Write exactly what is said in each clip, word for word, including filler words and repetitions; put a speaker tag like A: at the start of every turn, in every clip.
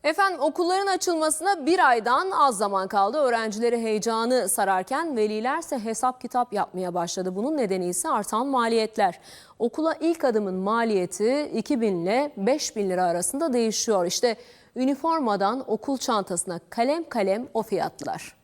A: Efendim okulların açılmasına bir aydan az zaman kaldı. Öğrencileri heyecanı sararken velilerse hesap kitap yapmaya başladı. Bunun nedeni ise artan maliyetler. Okula ilk adımın maliyeti iki bin ile beş bin lira arasında değişiyor. İşte üniformadan okul çantasına kalem kalem o fiyatlar.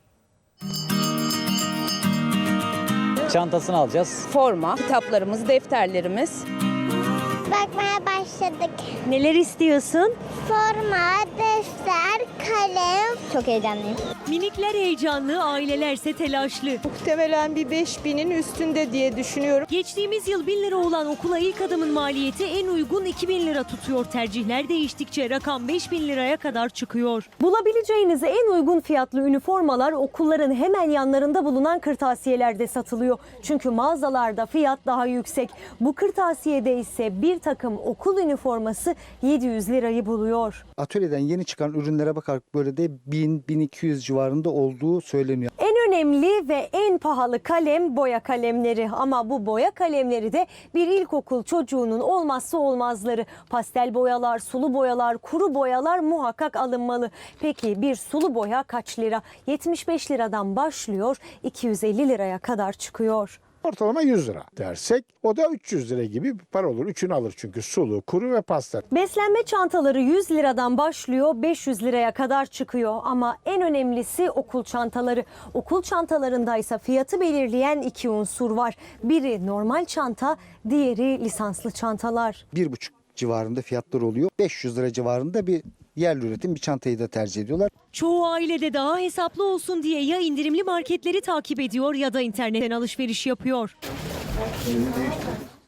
B: Çantasını alacağız.
C: Forma, kitaplarımız, defterlerimiz.
D: Bakmaya başladık.
E: Neler istiyorsun?
D: Forma, defter, kalem. Çok heyecanlıyım.
E: Minikler heyecanlı, ailelerse telaşlı.
C: Muhtemelen bir beş binin üstünde diye düşünüyorum.
E: Geçtiğimiz yıl bin lira olan okula ilk adımın maliyeti en uygun iki bin lira tutuyor. Tercihler değiştikçe rakam beş bin liraya kadar çıkıyor. Bulabileceğiniz en uygun fiyatlı üniformalar okulların hemen yanlarında bulunan kırtasiyelerde satılıyor. Çünkü mağazalarda fiyat daha yüksek. Bu kırtasiyede ise bir takım okul üniforması yedi yüz lirayı buluyor.
F: Atölyeden yeni çıkan ürünlere bakarak böyle de bin bin iki yüz civarında olduğu söyleniyor.
E: En önemli ve en pahalı kalem boya kalemleri, ama bu boya kalemleri de bir ilkokul çocuğunun olmazsa olmazları. Pastel boyalar, sulu boyalar, kuru boyalar muhakkak alınmalı. Peki bir sulu boya kaç lira? yetmiş beş liradan başlıyor, iki yüz elli liraya kadar çıkıyor.
G: Ortalama yüz lira dersek o da üç yüz lira gibi bir para olur. Üçünü alır çünkü sulu, kuru ve pastel.
E: Beslenme çantaları yüz liradan başlıyor, beş yüz liraya kadar çıkıyor. Ama en önemlisi okul çantaları. Okul çantalarındaysa fiyatı belirleyen iki unsur var. Biri normal çanta, diğeri lisanslı çantalar.
F: Bir buçuk civarında fiyatlar oluyor. beş yüz lira civarında bir yerli üretim bir çantayı da tercih ediyorlar.
E: Çoğu ailede daha hesaplı olsun diye ya indirimli marketleri takip ediyor ya da internetten alışveriş yapıyor.